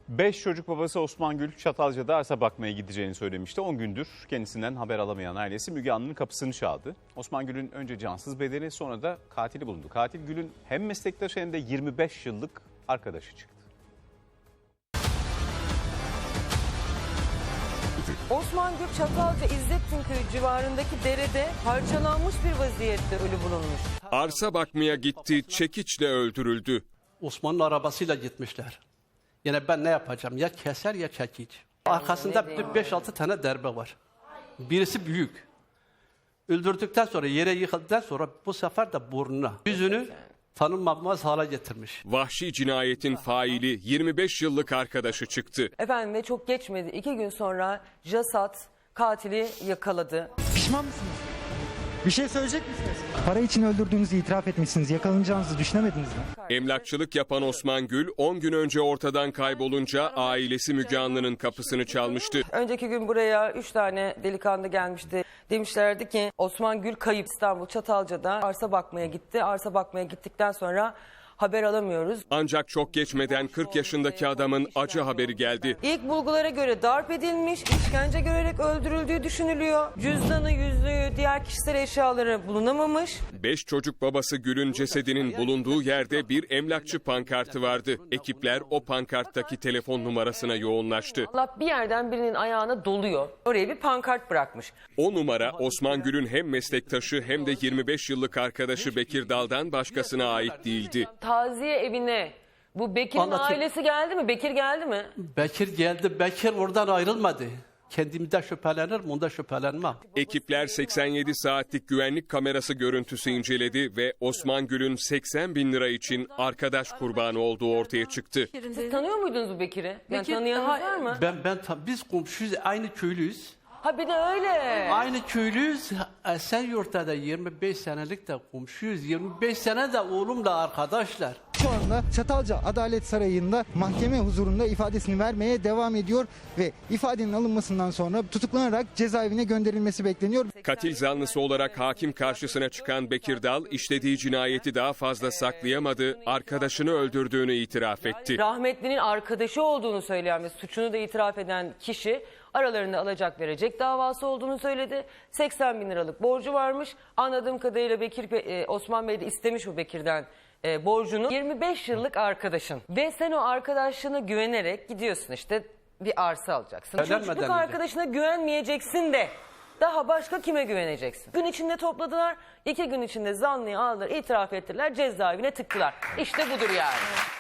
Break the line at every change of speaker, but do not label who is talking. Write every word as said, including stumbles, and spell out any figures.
Beş çocuk babası Osman Gül Çatalca'da arsa bakmaya gideceğini söylemişti. on gündür kendisinden haber alamayan ailesi Müge Anlı'nın kapısını çaldı. Osman Gül'ün önce cansız bedeni, sonra da katili bulundu. Katil Gül'ün hem meslektaşı hem de yirmi beş yıllık arkadaşı çıktı.
Osman Gül Çatalca İzzettinköy civarındaki derede parçalanmış bir vaziyette ölü bulunmuş.
Arsa bakmaya gitti, çekiçle öldürüldü.
Osman'ın arabasıyla gitmişler. Yine ben ne yapacağım? Ya keser ya çekiç. Arkasında beş altı tane darbe var. Birisi büyük. Öldürdükten sonra, yere yıkıldıktan sonra bu sefer de burnuna, yüzünü tanınmaz hale getirmiş.
Vahşi cinayetin faili yirmi beş yıllık arkadaşı çıktı.
Efendim ve çok geçmedi. İki gün sonra JASAT katili yakaladı.
Pişman mısınız? Bir şey söyleyecek misiniz? Para için öldürdüğünüzü itiraf etmişsiniz. Yakalanacağınızı düşünemediniz mi?
Emlakçılık yapan Osman Gül on gün önce ortadan kaybolunca ailesi Müge Anlı'nın kapısını çalmıştı.
Önceki gün buraya üç tane delikanlı gelmişti. Demişlerdi ki Osman Gül kayıp, İstanbul Çatalca'da arsa bakmaya gitti. Arsa bakmaya gittikten sonra haber alamıyoruz.
Ancak çok geçmeden kırk yaşındaki adamın acı haberi geldi.
İlk bulgulara göre darp edilmiş, işkence görerek öldürüldüğü düşünülüyor. Cüzdanı, yüzüğü, diğer kişisel eşyaları bulunamamış.
Beş çocuk babası Gül'ün cesedinin bulunduğu yerde bir emlakçı pankartı vardı. Ekipler o pankarttaki telefon numarasına yoğunlaştı.
Allah bir yerden birinin ayağına doluyor. Oraya bir pankart bırakmış.
O numara Osman Gül'ün hem meslektaşı hem de yirmi beş yıllık arkadaşı Bekir Dal'dan başkasına ait değildi.
Taziye evine bu Bekir'in
Anlatayım.
ailesi geldi mi? Bekir geldi mi?
Bekir geldi, Bekir oradan ayrılmadı. Kendimden şüphelenirim, onda şüphelenmem.
Ekipler seksen yedi saatlik güvenlik kamerası görüntüsü inceledi ve Osman Gül'ün seksen bin lira için arkadaş kurbanı olduğu ortaya çıktı.
Siz tanıyor muydunuz bu Bekir'i? Yani
Bekir-
tanıyanınız var mı?
Ben ben tam biz komşuyuz, aynı köylüyüz.
Ha bir de öyle.
Aynı köylüyüz. Esenyurt'ta da yirmi beş senelik de komşuyuz. yirmi beş sene de oğlumla arkadaşlar.
Şu anda Çatalca Adalet Sarayı'nda mahkeme huzurunda ifadesini vermeye devam ediyor ve ifadenin alınmasından sonra tutuklanarak cezaevine gönderilmesi bekleniyor.
Katil zanlısı olarak hakim karşısına çıkan Bekir Dal işlediği cinayeti daha fazla saklayamadı, arkadaşını öldürdüğünü itiraf etti.
Rahmetlinin arkadaşı olduğunu söyleyen ve suçunu da itiraf eden kişi aralarında alacak verecek davası olduğunu söyledi. seksen bin liralık borcu varmış. Anladığım kadarıyla Bekir Bey, Osman Bey de istemiş o Bekir'den e, borcunu. yirmi beş yıllık arkadaşın ve sen o arkadaşlığına güvenerek gidiyorsun işte bir arsa alacaksın.
Evlenmeden
Çocukluk
önce.
arkadaşına güvenmeyeceksin de daha başka kime güveneceksin? Gün içinde topladılar, iki gün içinde zanlıyı aldılar, itiraf ettiler, cezaevine tıktılar. İşte budur yani.